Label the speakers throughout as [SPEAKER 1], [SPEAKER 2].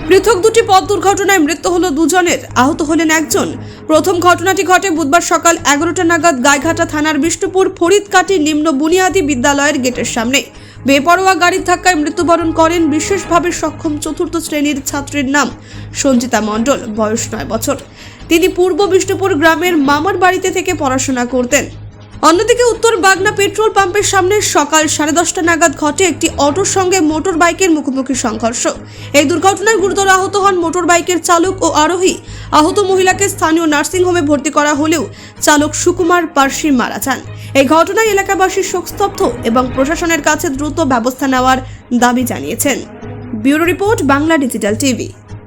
[SPEAKER 1] পৃথক দুটি পথ দুর্ঘটনায় মৃত্যু হলো দুজনের, আহত হলেন একজন। প্রথম ঘটনাটি ঘটে বুধবার সকাল 11টা নাগাদ গাইঘাটা থানার বিষ্ণুপুর ফরিদকাটি নিম্ন বুনিয়াদী বিদ্যালয়ের গেটের সামনে। বেপরোয়া গাড়ির ধাক্কায় মৃত্যুবরণ করেন বিশেষভাবে সক্ষম চতুর্থ শ্রেণীর ছাত্রীর নাম সঞ্চিতা মণ্ডল, বয়স 9 বছর। তিনি পূর্ব বিষ্ণুপুর গ্রামের মামার বাড়িতে থেকে পড়াশোনা করতেন। অন্যদিকে উত্তর বাগনা পেট্রোল পাম্পের সামনে সকাল 10:30 নাগাদ ঘটে একটি অটোর সঙ্গে মোটর বাইকের মুখোমুখি সংঘর্ষ। এই দুর্ঘটনায় গুরুতর আহত হন মোটর বাইকের চালক ও আরোহী। আহত মহিলাকে স্থানীয় নার্সিংহোমে ভর্তি করা হলেও চালক সুকুমার পার্সি মারা যান। এই ঘটনায় এলাকাবাসী শোকস্তব্ধ এবং প্রশাসনের কাছে দ্রুত ব্যবস্থা নেওয়ার দাবি জানিয়েছেন। Bureau report, Bangla digital TV.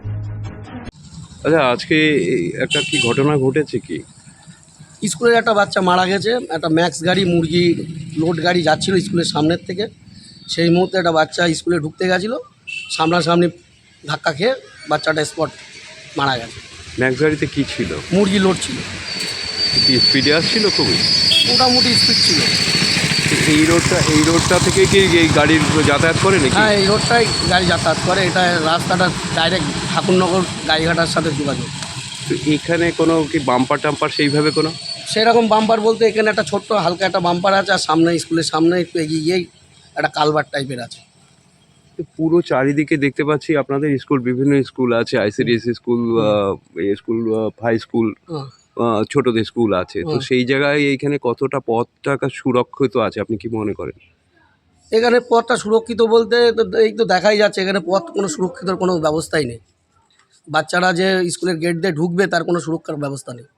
[SPEAKER 2] আচ্ছা, আজকে একটা কি ঘটনা ঘটেছে কি?
[SPEAKER 3] স্কুলের একটা বাচ্চা মারা গেছে। একটা ম্যাক্স গাড়ি, মুরগি লোড গাড়ি যাচ্ছিল স্কুলের সামনের থেকে। সেই মুহূর্তে একটা বাচ্চা স্কুলে ঢুকতে গেছিলো, সামনাসামনি ধাক্কা খেয়ে বাচ্চাটা স্পট মারা গেছে।
[SPEAKER 2] ম্যাক্স গাড়িতে কি ছিল?
[SPEAKER 3] মুরগি লোড ছিল।
[SPEAKER 2] কি স্পিডে আসছিল? খুবই
[SPEAKER 3] মোটামুটি স্পিড ছিল।
[SPEAKER 2] এই রোডটা থেকে কি এই গাড়ির যাতায়াত করে নাকি?
[SPEAKER 3] হ্যাঁ, এই রোডটাই গাড়ি যাতায়াত করে। এটা রাস্তাটা ডাইরেক্ট ঠাকুরনগর গাড়িঘাটার সাথে যোগাযোগ।
[SPEAKER 2] তো এখানে কোনো কি বাম্পার টাম্পার সেইভাবে কোনো?
[SPEAKER 3] সেরকম বাম্পার বলতে এখানে একটা ছোট্ট হালকা একটা বাম্পার আছে, আর সামনে স্কুলের সামনে একটু এগিয়ে গিয়েই একটা কালভার্ট টাইপের আছে।
[SPEAKER 2] তো পুরো চারিদিকে দেখতে পাচ্ছি আপনাদের স্কুল, বিভিন্ন স্কুল আছে, ICDS school, school, high school, ছোটদের স্কুল আছে। তো সেই জায়গায় এইখানে কতটা পথটা সুরক্ষিত আছে আপনি কি মনে করেন?
[SPEAKER 3] এখানে পথটা সুরক্ষিত বলতে এই তো দেখাই যাচ্ছে, এখানে পথ কোনো সুরক্ষিত কোনো ব্যবস্থাই নেই। বাচ্চারা যে স্কুলের গেট দিয়ে ঢুকবে তার কোনো সুরক্ষার ব্যবস্থা নেই।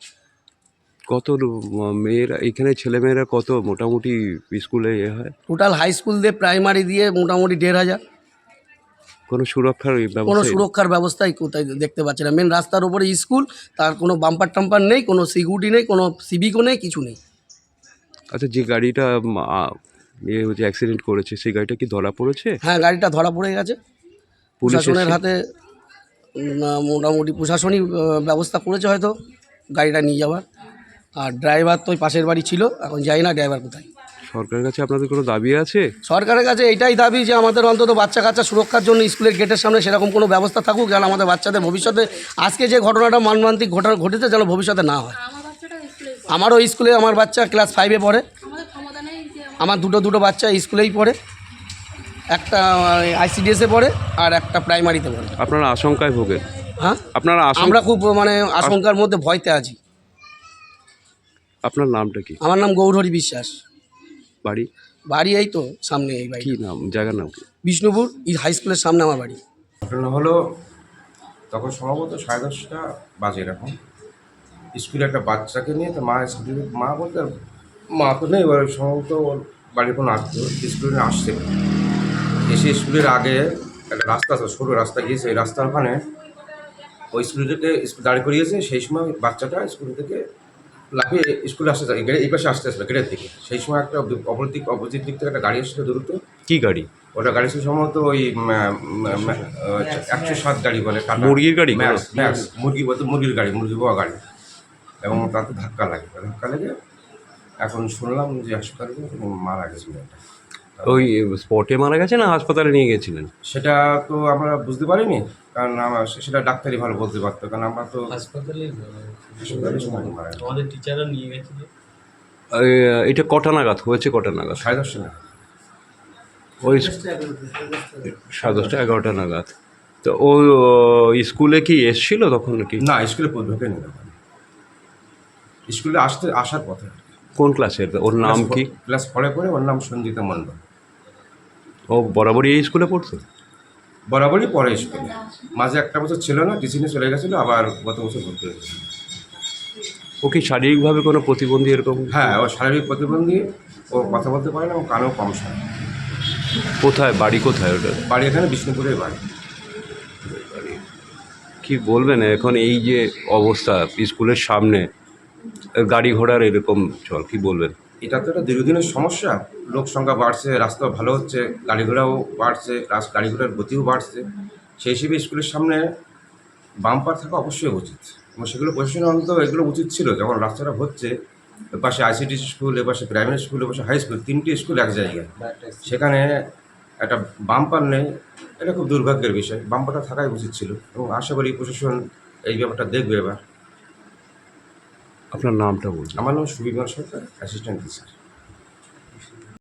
[SPEAKER 2] কত মেয়েরা এখানে, ছেলেমেয়েরা কত মোটামুটি স্কুলে হয়?
[SPEAKER 3] টোটাল হাই স্কুল দিয়ে প্রাইমারি দিয়ে মোটামুটি 1,500।
[SPEAKER 2] কোনো সুরক্ষার
[SPEAKER 3] কোনো
[SPEAKER 2] ব্যবস্থা?
[SPEAKER 3] সুরক্ষার ব্যবস্থাই কোথায় দেখতে পাচ্ছি না। মেন রাস্তার উপরে স্কুল, তার কোনো বাম্পার টাম্পার নেই, কোনো সিকিউরিটি নেই, কোনো সিভিকও নেই, কিছু নেই।
[SPEAKER 2] আচ্ছা, যে গাড়িটা হচ্ছে অ্যাক্সিডেন্ট করেছে সেই গাড়িটা কি ধরা পড়েছে?
[SPEAKER 3] হ্যাঁ, গাড়িটা ধরা পড়ে গেছে। প্রশাসনের হাতে মোটামুটি প্রশাসনিক ব্যবস্থা করেছে হয়তো গাড়িটা নিয়ে যাওয়ার। আর ড্রাইভার তো ওই পাশের বাড়ি ছিল, এখন যাই না ড্রাইভার কোথায়।
[SPEAKER 2] সরকারের কাছে আপনাদের কোনো দাবি আছে?
[SPEAKER 3] সরকারের কাছে এইটাই দাবি যে আমাদের অন্তত বাচ্চা কাচ্চা সুরক্ষার জন্য স্কুলের গেটের সামনে সেরকম কোনো ব্যবস্থা থাকুক, যেন আমাদের বাচ্চাদের ভবিষ্যতে আজকে যে ঘটনাটা মর্মান্তিক ঘটেছে যেন ভবিষ্যতে না হয়। আমারও স্কুলে আমার বাচ্চা ক্লাস 5-এ পড়ে। আমার দুটো বাচ্চা স্কুলেই পড়ে, একটা আইসিডিএসে পড়ে আর একটা প্রাইমারিতে পড়ে।
[SPEAKER 2] আপনারা আশঙ্কায় ভোগেন?
[SPEAKER 3] হ্যাঁ,
[SPEAKER 2] আপনারা
[SPEAKER 3] আমরা খুব আশঙ্কার মধ্যে ভয়তে আছি।
[SPEAKER 2] আপনার নামটা কি?
[SPEAKER 3] আমার নাম গৌরহরি বিশ্বাস।
[SPEAKER 2] বাড়ি
[SPEAKER 3] এই তো সামনে এই বাড়ি।
[SPEAKER 2] কি নাম, জায়গার নাম কি?
[SPEAKER 3] বিষ্ণুপুর হাই স্কুলের সামনে আমার বাড়ি।
[SPEAKER 4] ঘটনা হলো তখন সম্ভবত 10:30 বাজে এরকম। স্কুলে একটা বাচ্চাকে নিয়ে তো মা বলতে মা তো নেই, এবার সম্ভবত ওর বাড়ির কোনো আত্মীয় স্কুলে আসছে। এসে স্কুলের আগে একটা রাস্তা আছে, সরু রাস্তা গিয়েছে। ওই রাস্তার ওখানে ওই স্কুল থেকে দাঁড় করিয়েছে। সেই সময় বাচ্চাটা স্কুল থেকে লাফিয়ে স্কুলে আসতে এই পাশে আসতে আসবে গেটের দিকে। সেই সময় একটা অপোজিট দিক থেকে একটা গাড়ি এসেছিল দ্রুত।
[SPEAKER 2] কি গাড়ি
[SPEAKER 4] ওটা গাড়ি ছিল সম্ভবত ওই 107 গাড়ি বলে,
[SPEAKER 2] মুরগির গাড়ি?
[SPEAKER 4] ম্যাক্স মুরগি বলতে মুরগির গাড়ি, মুরগি পাওয়া গাড়ি। এবং তাতে ধাক্কা লেগে এখন শুনলাম যে হাসপাতালে মারা গেছিল।
[SPEAKER 2] ওই স্পটে মারা গেছে না হাসপাতালে নিয়ে গেছিলেন?
[SPEAKER 4] সেটা তো আমরা বুঝতে পারিনি, কারণ সেটা ডাক্তারই ভালো বলতে পারতো, কারণ আমরা তো হাসপাতালে
[SPEAKER 5] আমাদের টিচাররা নিয়ে গেছিল।
[SPEAKER 2] এটা কটা নাগাদ হয়েছে? কটা নাগাদ?
[SPEAKER 4] 10:30 নাগাদ।
[SPEAKER 2] ওই 10:30 11টা নাগাদ। তো ও স্কুলে কি এসছিল তখন নাকি?
[SPEAKER 4] না, স্কুলে ঢোকেনি তখন, স্কুলে আসার পথে।
[SPEAKER 2] কোন ক্লাসের? ওর নাম কি?
[SPEAKER 4] ক্লাস 4-এ পড়ে। ওর নাম সঞ্জিতা মণ্ডল।
[SPEAKER 2] ও বরাবরই এই স্কুলে পড়তো?
[SPEAKER 4] বরাবরই পড়ে স্কুলে। মাঝে একটা বছর ছিল না, টিচিংয়ে চলে গেছিলো, আবার গত বছর ভর্তি হয়েছিল।
[SPEAKER 2] ও কি শারীরিকভাবে কোনো প্রতিবন্ধী এরকম?
[SPEAKER 4] হ্যাঁ, ও শারীরিক প্রতিবন্ধী। ও কথা বলতে পারে না এবং কানেও কম শোনে।
[SPEAKER 2] কোথায় বাড়ি? কোথায় ওটা
[SPEAKER 4] বাড়ি? এখানে বিষ্ণুপুরের বাড়ি।
[SPEAKER 2] কি বলবেন এখন এই যে অবস্থা স্কুলের সামনে, গাড়ি ঘোড়ার এরকম চল, কি বলবেন?
[SPEAKER 4] এটা তো একটা দীর্ঘদিনের সমস্যা। লোক সংখ্যা বাড়ছে, রাস্তা ভালো হচ্ছে, গাড়ি ঘোড়াও বাড়ছে, গাড়ি ঘোড়ার গতিও বাড়ছে। সেই হিসেবে স্কুলের সামনে বাম্পার থাকা অবশ্যই উচিত, এবং সেগুলো প্রশাসনের অন্তত এগুলো উচিত ছিল। যখন রাস্তাটা হচ্ছে, এপাশে আইসিডিএস স্কুল, এপাশে প্রাইমারি স্কুল, এপাশে হাই স্কুল, 3টি স্কুল এক জায়গায়। সেখানে একটা বাম্পার নেই, এটা খুব দুর্ভাগ্যের বিষয়। বাম্পারটা থাকাই উচিত ছিল এবং আশা করি প্রশাসন এই ব্যাপারটা দেখবে এবার।
[SPEAKER 2] আপনার নামটা বলুন।
[SPEAKER 4] আমার নাম সুবিমল সরকার, অ্যাসিস্ট্যান্ট টিচার।